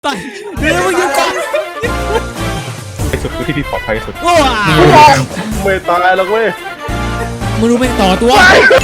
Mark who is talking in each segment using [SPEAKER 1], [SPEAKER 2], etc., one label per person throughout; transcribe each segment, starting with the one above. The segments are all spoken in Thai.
[SPEAKER 1] ตายเดี๋ยวมึงอยู่ก่อน
[SPEAKER 2] ที่สุดคือที่ปลอดภัยที่สุด
[SPEAKER 1] ว้า
[SPEAKER 2] ไม่ตายหรอกเว้ย
[SPEAKER 1] มึงรู้ไหมต่อตัว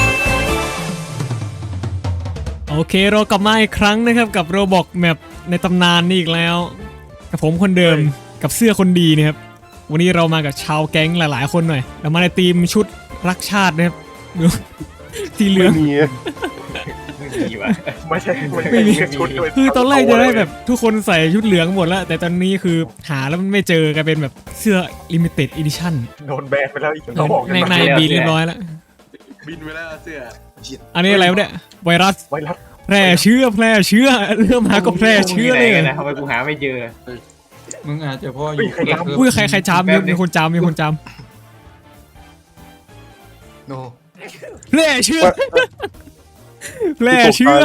[SPEAKER 1] โอเคเรากลับมาอีกครั้งนะครับกับโรบอกแมปในตำนานนี่อีกแล้วกับผมคนเดิมกับเสื้อคนดีนะครับวันนี้เรามากับชาวแก๊งหลายๆคนหน่อยเรามาในทีมชุดรักชาตินะครับดูสีเหลือง
[SPEAKER 2] ไม่มีวะไม่ใช่
[SPEAKER 1] ไม่มี
[SPEAKER 2] ชุดด้วย
[SPEAKER 1] คือตอนแรกจะได้แบบทุกคนใส่ชุดเหลืองหมดแล้วแต่ตอนนี้คือหาแล้วมันไม่เจอกลายเป็นแบบเสื้อ limited edition
[SPEAKER 2] โดนแบนไปแล้วอีกเขาบอก
[SPEAKER 1] ในบีเรียบร้อยแล้ว
[SPEAKER 3] บินไปแล้วเสื้อ
[SPEAKER 1] อันนี้อะไรวะเนี่ยไวรัส
[SPEAKER 2] ไวรัส
[SPEAKER 1] แพร่เชื้อเริ่มหาก็แพร่เชื้อเลย
[SPEAKER 4] นะทำไมกูหาไม่เจอ
[SPEAKER 3] มึงอาจจะพ่ออยู่
[SPEAKER 1] อุ้ยใครจามมีคนจาม
[SPEAKER 3] โน
[SPEAKER 1] แพร่เชื้อแพร่เชื้อ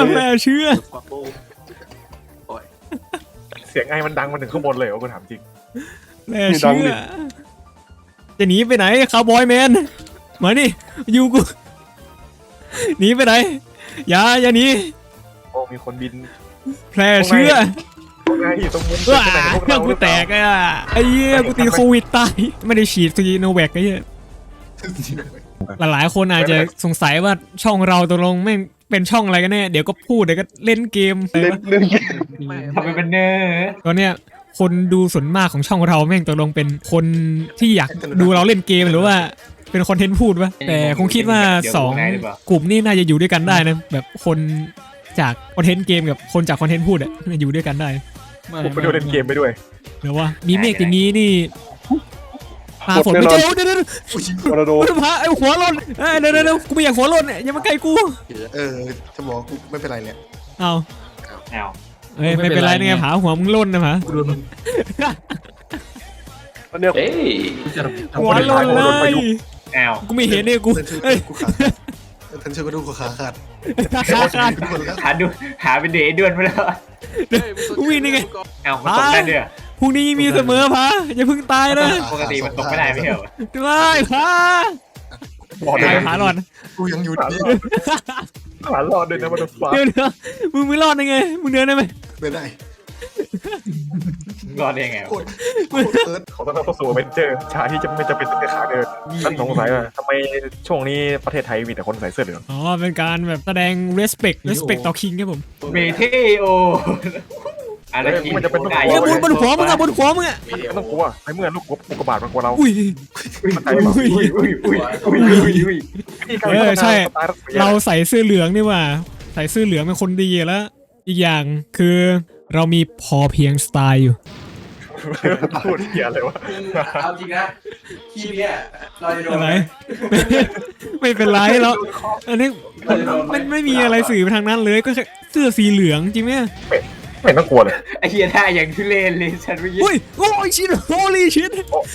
[SPEAKER 2] เสียงไงมันดังมาถึงข้างบนเลยเหรอกูถามจริง
[SPEAKER 1] แพร่เชื้อจะหนีไปไหนคาวบอยแมนมานี่อยู่กูหนีไปไหนอย่าหนี
[SPEAKER 2] โอ้มีคนบิน
[SPEAKER 1] แพร่เชื้อ
[SPEAKER 2] พวกนายอยู่ตรงมุม
[SPEAKER 1] ว้า
[SPEAKER 2] ไหนพวกเรา
[SPEAKER 1] กูแตกอ่ะไอ้เหี้ยกูติดโควิดตายไม่ได้ฉีดซีโนแวคไอ้เหี้ยหลายๆคนอาจจะสงสัยว่าช่องเราตกลงแม่งเป็นช่องอะไรกันแน่เดี๋ยวก็พูดเดี๋ยวก็เล่นเกม
[SPEAKER 2] เล่นเรื่อง
[SPEAKER 4] ทำไมเป็นเนอร์
[SPEAKER 1] ตอนเนี้ยคนดูส่วนมากของช่องเราแม่งตกลงเป็นคนที่อยากดูเราเล่นเกมหรือว่าเป็นคอนเทนต์พูดวะแต่คงคิดว่าสองกลุ่มนี้น่าจะอยู่ด้วยกันได้นะแบบคนจากคอนเทนต์เกมกับคนจากคอนเทนต์พูดอะอยู่ด้วยกันได้
[SPEAKER 2] ผมไปดูเล่นเกมไปด้วย
[SPEAKER 1] เดี๋ยวว่ามีเมฆอย่างนี้นี่ปลาฝนไม่เจอเดี๋ยว
[SPEAKER 2] โรนัลโด
[SPEAKER 1] กูจะพาไอ้หัวหล่นเดี๋ยวกูไม่อยากหัวหล่นเนี่ยอย่ามาใกล้กู
[SPEAKER 3] จะบอกกูไม่เป็นไรเนี่ย
[SPEAKER 1] เอา
[SPEAKER 4] เอา
[SPEAKER 1] เอ้ยไม่เป็นไรเนี่ยผาหัวมึงหล่นนะผา
[SPEAKER 2] ตอนเนี้ย
[SPEAKER 1] หัวหล่นเลย
[SPEAKER 4] เอา
[SPEAKER 1] กูไม่เห็นเนี่ยกูเอ้ย
[SPEAKER 3] ทันเชื่อก็ดูขาขาด
[SPEAKER 1] ขาด
[SPEAKER 3] ทุกคนแล้ว
[SPEAKER 4] หาเป็นเดย์ด้วนไปแล้ว
[SPEAKER 1] กูวิ่งนี่ไง
[SPEAKER 4] เอามันตกได้ด้วย
[SPEAKER 1] พรุ่งนี้มีเสมอผาอย่าเพิ่งตายนะ
[SPEAKER 4] ปกติมันตกไม่ได้ไม่เหรอ
[SPEAKER 1] ได้ผา
[SPEAKER 2] หลอดเลย
[SPEAKER 1] ผาหลอด
[SPEAKER 3] กูยังอยู่นี่
[SPEAKER 2] หาหลอดเลยนะมันฟ้า
[SPEAKER 1] เดี๋ยวมึงไม่รอดได้ไงมึงเดินได้ไหม
[SPEAKER 3] ไม่ได้
[SPEAKER 4] รอดได้ยังไง
[SPEAKER 3] โคตรเอิร์ธ
[SPEAKER 2] ขอต้อนรับเข้าสู่เวนเจอร์ชาที่จะไม่จะเป็นแต่ขาเดินฉันสงสัยว่าทำไมช่วงนี้ประเทศไทยมีแต่คนใส่เสื้อเหลือง
[SPEAKER 1] อ๋อเป็นการแบบแสดง respect ต่อคิงครับผม
[SPEAKER 4] เมเทโออะไรกิน
[SPEAKER 1] เฮ้ยบนหัวมึงอะบนหัวมึงอะ
[SPEAKER 2] ไม่ต้องกลัวในเมื่อลูกอุกกาบาตมันกลัวเรา
[SPEAKER 1] อุ้ย
[SPEAKER 2] มันใจเปล่า
[SPEAKER 1] ใช่เราใส่เสื้อเหลืองนี่ว่าใส่เสื้อเหลืองเป็นคนดีแล้วอีกอย่างคือเรามีพอเพียงสไตล์อยู่
[SPEAKER 2] พูดเหี้ยอะไรวะ
[SPEAKER 3] เอาจริงนะคีย์เนี่ยเราจะโดน
[SPEAKER 1] อะไรไม่เป็นไรแล้วอันนี้ไม่มีอะไรสื่อไปทางนั้นเลยก็แค่เสื้อสีเหลืองจริงไหม
[SPEAKER 2] ไม่ต้องกลัวเลย
[SPEAKER 4] ไอ้เหี้ยท่าอย่างทุเรศเลยฉันไม่ยิน
[SPEAKER 1] อุ้ยโอ้ยชินโฮลี่ชิน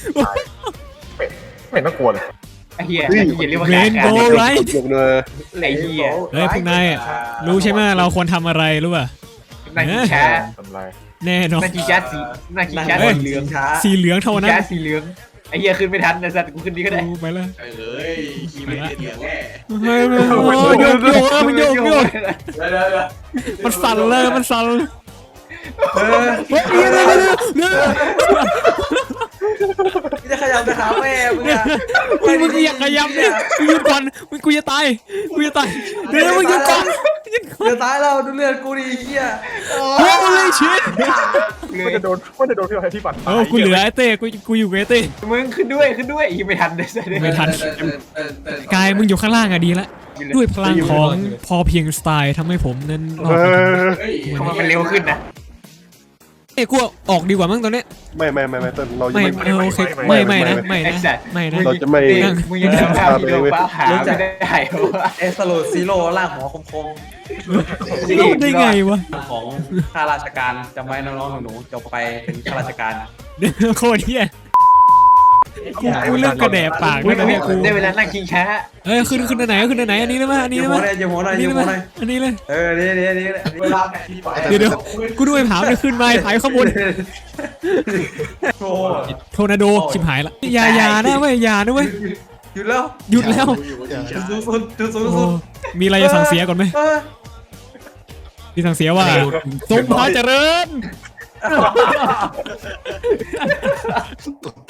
[SPEAKER 2] ไม่ต้องกลัวเลย
[SPEAKER 4] ไอ้เหี้ยเรียกว่า
[SPEAKER 1] เรนโบว์ไรท์
[SPEAKER 4] ไอ้เหี้ย
[SPEAKER 1] เฮ้ยพวกนายรู้ใช่ไหมเราควรทำอะไรรู้ป่ะ
[SPEAKER 4] นาฬิกา
[SPEAKER 2] ทำไร
[SPEAKER 1] แน่นอน
[SPEAKER 4] นาฬิกาสีเหลืองช้า
[SPEAKER 1] สีเหลืองเท่านั้น
[SPEAKER 4] สีเหลืองไอ้เหี้ยขึ้นไม่ทันนะสัตว์กูขึ้นดีก็ได้
[SPEAKER 1] ไปเลย
[SPEAKER 3] เอ้ยคีย์ไม่เดียวแน่
[SPEAKER 1] เฮ้ยมันโยกมันสั่นเลยมันสั่น
[SPEAKER 3] จะขยับไปหาแม่มึงอะ
[SPEAKER 1] มึงอยากขยับเนี่ยมึงหยุดก่อนกูจะตายเดี๋ยวมึงหยุดก่อน
[SPEAKER 3] จะตายแล้วดูเลือดกูดิเหี้ย
[SPEAKER 1] โอ้ยชิน
[SPEAKER 2] มันจะโดนพี่อะไรที่ฝัน
[SPEAKER 1] กูเหลือไอ้เต้กูอยู่กับไอ้เต้
[SPEAKER 4] มึงขึ้นด้วยอีไม่ทันเลยสัตว์
[SPEAKER 1] ไม่ทันกายมึงอยู่ข้างล่างอะดีละด้วยพลังของพอเพียงสไตล์ทำให้ผมนั้นรอด
[SPEAKER 4] ทำไมมันเร็วขึ้นนะ
[SPEAKER 1] เอ้กูออกดีกว่ามั้งตอนนี้
[SPEAKER 2] ไม่ต้นเรา
[SPEAKER 1] ไม่โอเคไม่นะ
[SPEAKER 2] เราจะไม่
[SPEAKER 4] มึงยังทำภาพวิดีโอป้าหาไม่ได้วะ
[SPEAKER 5] เอสโลซีโร่ล่างหัวคม
[SPEAKER 1] รอดได้ไงวะ
[SPEAKER 5] ๆของข้าราชการจำไว้น้องๆหนูๆจบไปเป็นข้าราชการ
[SPEAKER 1] โคตรเฮียกูเริ่มกระแดบปากแล้วนะเนี่ยกู
[SPEAKER 4] ได้เวลานั่งกินช้า
[SPEAKER 1] เอ้ยขึ้นอันไหนอันนี้เลยมั้ยอันนี้
[SPEAKER 5] ยื
[SPEAKER 1] เล
[SPEAKER 5] ม
[SPEAKER 1] ย
[SPEAKER 5] หัว
[SPEAKER 1] มั้ย
[SPEAKER 5] หน่อยยืมหัวหน่อยยืมหัวหน่อย
[SPEAKER 1] อันนี้เลย
[SPEAKER 5] นี่เวลาแผนที่ไป
[SPEAKER 1] เดี๋ยวกูด้วยผาเนี่ยขึ้นมาถ่ายข้างบน
[SPEAKER 5] โอ้
[SPEAKER 1] โทนาโดชิบหายละอย่านะเว้ยอย่านะเว้ย
[SPEAKER 5] หยุดแล้ว
[SPEAKER 1] หยุดแล้ว
[SPEAKER 5] จุดสูงสุด
[SPEAKER 1] มีอะไรจะสั่งเสียก่อนไหมมีสั่งเสียว่าทรงพระเจริญ
[SPEAKER 6] ตดเท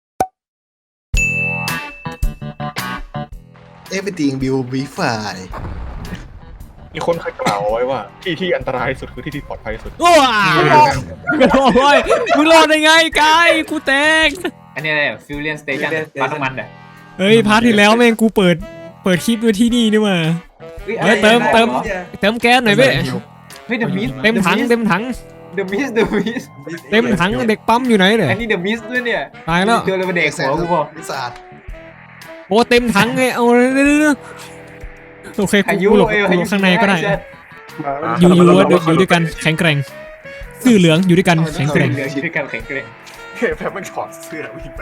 [SPEAKER 6] everything will be fine
[SPEAKER 2] มีคนเคยกล่าวไว้ว่าที่อันตรายที่สุดคือที่ปลอดภัยที่สุด
[SPEAKER 1] โอ้ยมึงรอดได้ไงกายกูแตก
[SPEAKER 4] อันนี้อะไรฟิวเลียนสเตชันปั๊มน้ำมันเหรอ
[SPEAKER 1] เฮ้ยพาร์ทที่แล้วแม่งกูเปิดคลิปด้วยที่นี่นี่มา เฮ้ยเติมแก๊สหน่อยเว้ย
[SPEAKER 4] เฮ้ยเดอะมิส
[SPEAKER 1] เต็มถัง
[SPEAKER 4] เดอะมิส
[SPEAKER 1] เต็มถังเด็กปั๊มอยู่ไหนเนี่ย
[SPEAKER 4] อันนี้เดอะมิสด้วยเนี่ย
[SPEAKER 1] ตายแล้ว
[SPEAKER 4] เจอเลยมาเด็กหัวกูบอก
[SPEAKER 6] สะอาด
[SPEAKER 1] โอ้เต็มถังไงเอาเลยโอเค
[SPEAKER 4] พายุ
[SPEAKER 1] กูหลบข้างในก็ได้อยู่ด้วยกันแข็งแกร่งซื่อเหลืองอยู่ด้วยกันแข็งแกร่ง
[SPEAKER 4] เหลืออยู่ด้วยกันแข็งแกร่ง
[SPEAKER 2] แพมมันถอดเสื้อวิ่งไป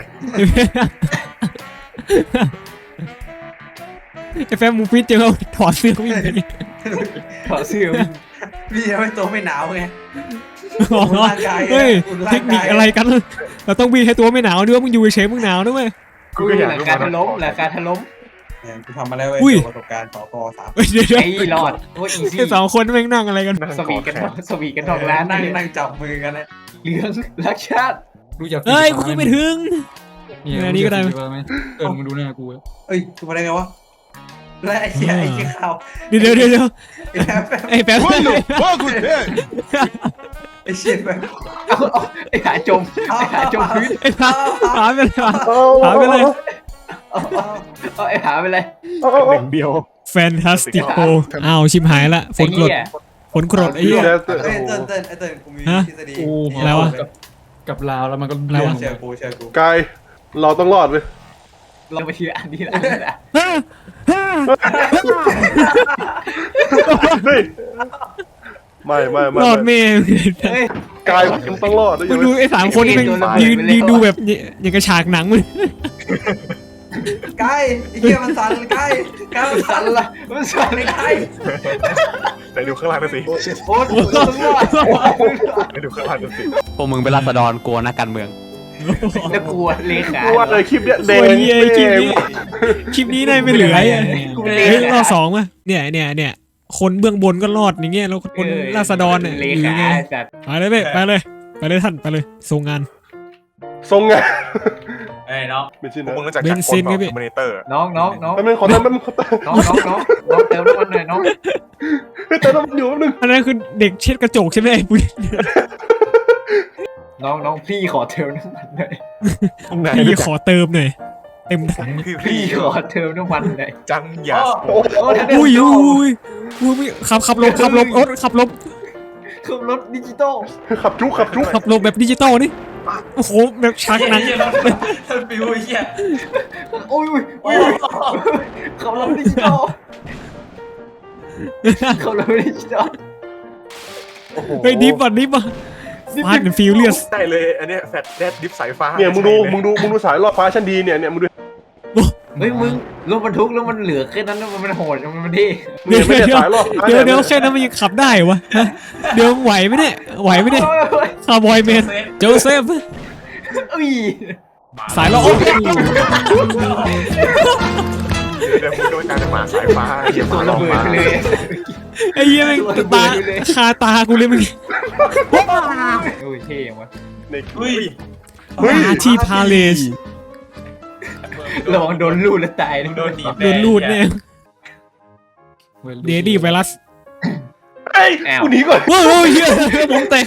[SPEAKER 1] ไอ้แฟมมูฟิตเจอเขาถอดเสื้อวิ่งไป
[SPEAKER 4] ถอดเสื้อวิ่ง
[SPEAKER 3] พี่ยังไม่ตัวไม่หนาวไง
[SPEAKER 1] อ๋อเฮ้ยเทคนิคอะไรกันเราต้องวิ่งให้ตัวไม่หนาวด้วยมึงอยู่เฉยมึงหนาวด้วย
[SPEAKER 2] กูก็อยาก
[SPEAKER 4] หลัง
[SPEAKER 2] รู้
[SPEAKER 4] การ
[SPEAKER 2] ว่า
[SPEAKER 4] ถล่มหลังการถล่ม
[SPEAKER 3] เนี่ยกูทำมาแล้วเว้ย
[SPEAKER 1] อุ้ย
[SPEAKER 3] ประสบการณ์ต่อกอ3
[SPEAKER 1] เฮ้ยเดี๋ยว
[SPEAKER 4] ไอ้รอดโอ้ยอีซี่
[SPEAKER 1] ไอ้สองคนแม่งนั่งอะไรกัน
[SPEAKER 4] สวีกันสวีกันทองร้าน
[SPEAKER 3] นั่งจับมือกันนะ
[SPEAKER 4] เหลืองรักชาติ
[SPEAKER 7] รู้จัก
[SPEAKER 1] เฮ้ยกูขึ้นไปถึง
[SPEAKER 7] เนี่ย
[SPEAKER 1] อันนี้ก็ได้
[SPEAKER 7] รู้จัไหมมึงดูหน้ากู
[SPEAKER 3] เอ้ยกูมาได้ไงวะและไอ้เหี้ยข่าว
[SPEAKER 1] เดี๋ยว
[SPEAKER 3] ไอ้แป๊บ
[SPEAKER 1] ไอ้แป๊บ
[SPEAKER 3] ไอ้เชี่ยแป๊บ
[SPEAKER 4] ไอ้หาจมไอ้หาจมพื้น
[SPEAKER 1] ไอ้พาหาไปเลยหาไปเลย
[SPEAKER 4] ไอ้หาไปเลย
[SPEAKER 2] หนึ่งเดียว
[SPEAKER 1] แฟนตาสติโกอ้าวชิมหายละฝนกรดไอ้เหี้ย
[SPEAKER 3] เอ้ยเติ้ลกูมีทฤษฎี
[SPEAKER 7] กู
[SPEAKER 1] อะไรวะ
[SPEAKER 7] กับลาวแล้วมันก็
[SPEAKER 1] อะไรวะ
[SPEAKER 3] เชื่อกู
[SPEAKER 8] กายเราต้องรอดเว้ย
[SPEAKER 4] เราไปทีละอันทีละ
[SPEAKER 8] เฮ้ยไม่
[SPEAKER 1] รอดเมย์
[SPEAKER 4] เฮ้ย
[SPEAKER 8] กายมันต้องรอดด้วย
[SPEAKER 1] มึงดูไอ้สามคนนี่มันยืนดูแบบอย่างกระฉากหนังมัน
[SPEAKER 3] ใกล้ไอ้เหี้ยมันสั่นใกล้มันสั่นละ
[SPEAKER 4] มันสั่น
[SPEAKER 3] ไม่ใกล้
[SPEAKER 2] ไหนดูข้างล่างหน่อยสิ
[SPEAKER 6] โอ้ชิต
[SPEAKER 4] โอ้ยต้องรอด
[SPEAKER 2] ไหนดูข้างล่างหน่อยสิ
[SPEAKER 5] พวกมึงเป็นราษฎรกลัวนักการเมือง
[SPEAKER 4] แล้วกลัวเลขา
[SPEAKER 8] กูว่าเลยคลิปเนี้ยแด
[SPEAKER 1] โอ้
[SPEAKER 8] ง
[SPEAKER 1] ยคลิปนี้ได้ไม่เหลือรอบสองป่ะเนี่ยคนเบื้องบนก็รอดอย่างเงี้ยแล้วคนราษฎรเนี่ย
[SPEAKER 4] เล
[SPEAKER 1] อยู่
[SPEAKER 4] ขา
[SPEAKER 1] ไง
[SPEAKER 4] จัด
[SPEAKER 1] ไปเลยท่านไปเลยส่งงาน
[SPEAKER 8] ทรงไง
[SPEAKER 3] เอ้ยน้อง
[SPEAKER 8] ไม่ใช่
[SPEAKER 2] พวก
[SPEAKER 8] นะ
[SPEAKER 2] มึงรู้จัก
[SPEAKER 1] เบ
[SPEAKER 2] จาก
[SPEAKER 1] น
[SPEAKER 2] ค
[SPEAKER 1] ซิ
[SPEAKER 2] น
[SPEAKER 1] น
[SPEAKER 2] แบ
[SPEAKER 1] ไง
[SPEAKER 2] บ
[SPEAKER 1] พี่
[SPEAKER 2] คอมมิเนเตอร์
[SPEAKER 4] น้อง
[SPEAKER 8] แป๊บนึงขอเติมแป๊บนึง
[SPEAKER 4] น้องเติมน้ำมันหน่อยน้อง
[SPEAKER 8] เฮ้ยเติมน้ำมันอยู่แป๊บนึง
[SPEAKER 1] อันนั้นคือเด็กเช็ดกระจกใช่ไหมไอ้ปุ้ย
[SPEAKER 4] น้องพี่ขอเติมน้ำมันหน่อย
[SPEAKER 1] พี่ขอเติมหน่อยเต็มถัง
[SPEAKER 2] คือ
[SPEAKER 4] พี่
[SPEAKER 2] พี่
[SPEAKER 4] ขอเติมน้ำมันหน่อย
[SPEAKER 2] จังหยา
[SPEAKER 1] อุ้ยขับลบขับลบ
[SPEAKER 4] รถดิจิตอล
[SPEAKER 8] ขับจุก
[SPEAKER 1] ขับลบแบบดิจิตอลนี่โอ้โหแบบฉากหนัง
[SPEAKER 3] ปิวไอ้เหี้ย
[SPEAKER 4] โอ้ยขับรถดิจิตอลขับรถดิจิตอล
[SPEAKER 1] เฮ้ยดิฟอ่ะฟาดเป็นฟิวเลียส
[SPEAKER 2] ได้เลยอันเนี้ยแฟลชแดดดิฟสายฟ้า
[SPEAKER 8] เนี่ยมึงดูสายรอดฟ้าชั้นดีเนี่ยมึงดู
[SPEAKER 4] เฮ้ยมึงรถบรรทุกแล้วมันเหลือแค่นั้นมันโหดมันที่
[SPEAKER 8] เนี่ยไม่ใช่สายรอดฟ้า
[SPEAKER 1] เดี๋ยวแค่นั้นมันยังขับได้วะเดี๋ยวไหวไหมเนี่ยคาร์บอยแมนโจเซฟ
[SPEAKER 4] อุ้ย
[SPEAKER 1] สายล้อ
[SPEAKER 2] เดี๋ยวมึงโดนการหมาสายฟ้าเหยียบห
[SPEAKER 4] ตั
[SPEAKER 2] มาว ล
[SPEAKER 4] ระ
[SPEAKER 2] อง
[SPEAKER 4] เบิด
[SPEAKER 2] มา
[SPEAKER 4] ไปเลย
[SPEAKER 1] ไอ้เหี้ยแม่งตาคาตากูเลยมึง
[SPEAKER 4] โอ้ยเท่ยังวะ
[SPEAKER 8] ใน
[SPEAKER 1] ที่พาเลส
[SPEAKER 4] ระวังโดนลูดแล้วตายนะ
[SPEAKER 3] โดนดี
[SPEAKER 1] โดนลูดเนี่ยเดดี้ไวรัส
[SPEAKER 8] เอ้ยกูหนีก่อน
[SPEAKER 1] ว้าวเหี้ยผมแตก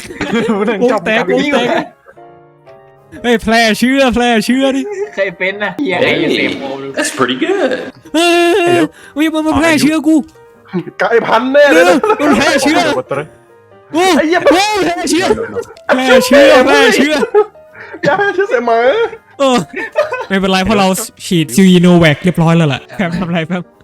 [SPEAKER 1] เฮ้ยแพร่เชื้อดิ
[SPEAKER 4] ใครเป็นนะเฮียไอ้เซฟโม
[SPEAKER 9] That's pretty good.
[SPEAKER 1] เฮ้ยมันมาแพร่เชื้อกู
[SPEAKER 8] กายพันแน่เลย
[SPEAKER 1] มันแพร่เชื้อโอ้
[SPEAKER 8] ไอ้เหี้ย
[SPEAKER 1] แพร่เชื้ออย่าให้เชื่อ
[SPEAKER 8] เสียหมา
[SPEAKER 1] ไม่เป็นไรเพราะเราฉีดซีโนแวคเรียบร้อยแล้วแหละแพมทำไรแพม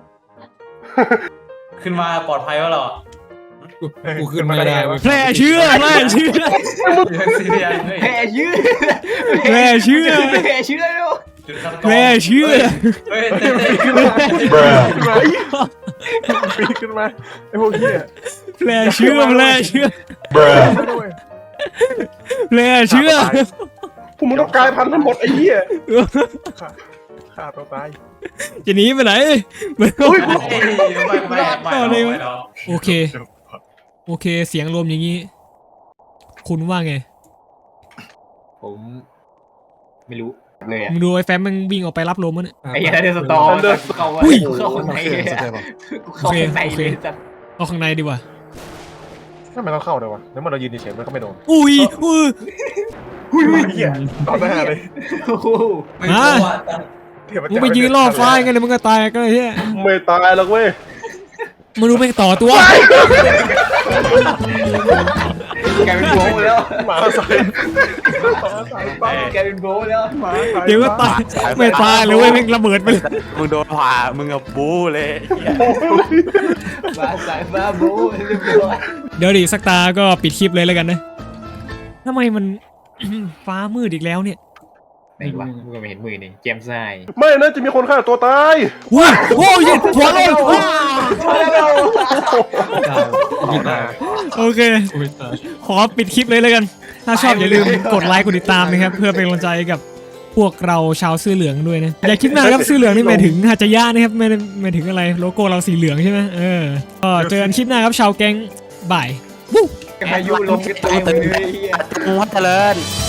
[SPEAKER 3] ขึ้นมาปลอดภัยแล้วเหรอ
[SPEAKER 7] กูขึ้นไม่ได้เว้ย
[SPEAKER 1] แพร่เชื้อ
[SPEAKER 3] แพ้เชื้อ
[SPEAKER 4] แพ้เชื้อ
[SPEAKER 1] แพร่เชื้อ
[SPEAKER 4] แพ้เชื้อแล้ว
[SPEAKER 1] แพร่เชื้อ
[SPEAKER 3] เฮ้ย
[SPEAKER 2] ขึ้นมาไอ้พวกเหี้ย
[SPEAKER 1] แพร่เชื้อแพร่เชื้อ
[SPEAKER 8] พวกมึงต้องกายพันทั้งหมดไอ้เหี้ย
[SPEAKER 2] ฆ่าตัวตาย
[SPEAKER 1] จะหนีไปไหน
[SPEAKER 3] ไม่
[SPEAKER 1] โอเคเสียงรวมอย่างนี้คุณว่าไง
[SPEAKER 4] ผมไม่รู้เลยอ่ะ
[SPEAKER 1] มึงดูไอ้แฟมมันวิ่งออกไปรับลมมันย
[SPEAKER 4] ไอ้ยันเดอร์สตอร์เข้า
[SPEAKER 1] อุ้ย
[SPEAKER 4] เข้าข้างใน
[SPEAKER 6] ใช่ปะ
[SPEAKER 4] เข้าข้างในเลยจัด
[SPEAKER 1] เอาข้างในดีกว่า
[SPEAKER 2] ทำไมต้องเข้าด้วยวะแล้วมันเรายืนเฉยๆมันก็ไม่โดน
[SPEAKER 1] อุ้ย
[SPEAKER 2] เหี้ยต่อหน้าเลย
[SPEAKER 4] โอ้โห
[SPEAKER 3] ไม่รู้ว่าแต่
[SPEAKER 2] เทียบกับ
[SPEAKER 1] มึงไปยืนล่อฟ้าไงเดี๋ยวมึงก็ตายก็เลยเฮีย
[SPEAKER 8] ไม่ตายหรอกเว้ย
[SPEAKER 1] มึงดูไปต่อตัว
[SPEAKER 4] แกเป็นโบแล้ว
[SPEAKER 2] หมาใส่หมาใส่ป้า
[SPEAKER 4] แกเป็นโบแล้ว
[SPEAKER 2] หมาใส่
[SPEAKER 1] เดี๋ยวก็ตายไม่ตายเลยเว้ยแม่งระเบิดไปเลย
[SPEAKER 5] มึงโดนผ่ามึงกับบูเลยไอ้เหี้ย
[SPEAKER 4] มาสายฟ้าโบเรียบร้อย
[SPEAKER 1] เดี๋ยวดิสักตาก็ปิดคลิปเลยแล้วกันนะทำไมมัน ฟ้ามืดอีกแล้วเนี่ย
[SPEAKER 4] ไหนวะมึงก็ไม่เห็นมือนี่เจมส์ไซ
[SPEAKER 8] ไม่นะจะมีคนฆ่าตัวตาย
[SPEAKER 1] ว้าโอ้ยหัวเลย โอเค
[SPEAKER 7] โอ้ยตาย
[SPEAKER 1] ขอปิดคลิปเลยแล้วกัน ถ้าชอบอย่าลืมกดไลค์กดติดตามนะครับ เพื่อเป็นกำลังใจกับพวกเราชาวเสื้อเหลืองด้วยนะ อย่าคิดนานครับเสื้อเหลืองนี่หมายถึงฮาจายะนะครับไม่ได้หมายถึงอะไรโลโก้เราสีเหลืองใช่ไหมก็เจอกันคลิปหน้าครับชาวแก๊งบ่าย
[SPEAKER 4] พายุลมกระตุยเลย
[SPEAKER 5] วัดเจริญ